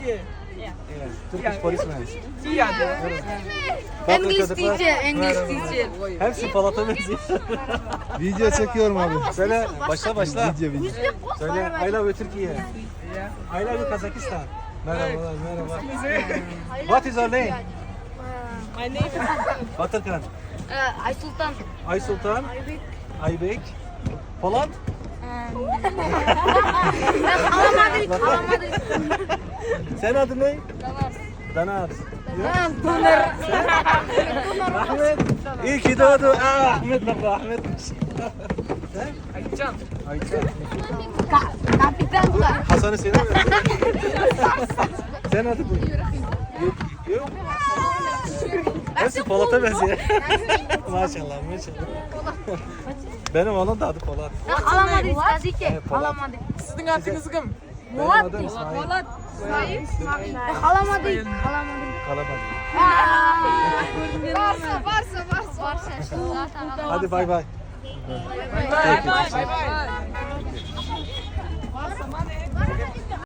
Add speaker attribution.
Speaker 1: Turkish policeman.
Speaker 2: English teacher, English teacher.
Speaker 1: Hepsi Polat'a benziyor.
Speaker 3: Video çekiyorum abi.
Speaker 1: Söyle, başla.
Speaker 3: Video.
Speaker 1: Söyle, I love you Türkiye. I love you Kazakistan. Merhaba. What is your name?
Speaker 2: My name is
Speaker 1: Batırkan.
Speaker 2: Aysultan.
Speaker 1: Aysultan. Aybek. Polat.
Speaker 2: Alamadık.
Speaker 1: Sen adın ne? Danar.
Speaker 2: Donar.
Speaker 1: Ahmet. İyi ki doğdu. Ahmet bak Ahmet. Sen?
Speaker 2: Aycan.
Speaker 1: Ayça.
Speaker 2: Kapitan da.
Speaker 1: Hasan'ı seviyor musun? Sen adın ne? Yok. Hepsi Polat'a benziyor. Maşallah. Benim oğlum da adı Polat.
Speaker 2: Alamadık tabii ki.
Speaker 1: Polat.
Speaker 2: Alamadık.
Speaker 4: Sizin adınız kim?
Speaker 1: Benim adım İsmail.
Speaker 2: Alamadık.
Speaker 1: Kalabalık.
Speaker 2: Varsa.
Speaker 1: Hadi bay bay.
Speaker 4: Bye bye.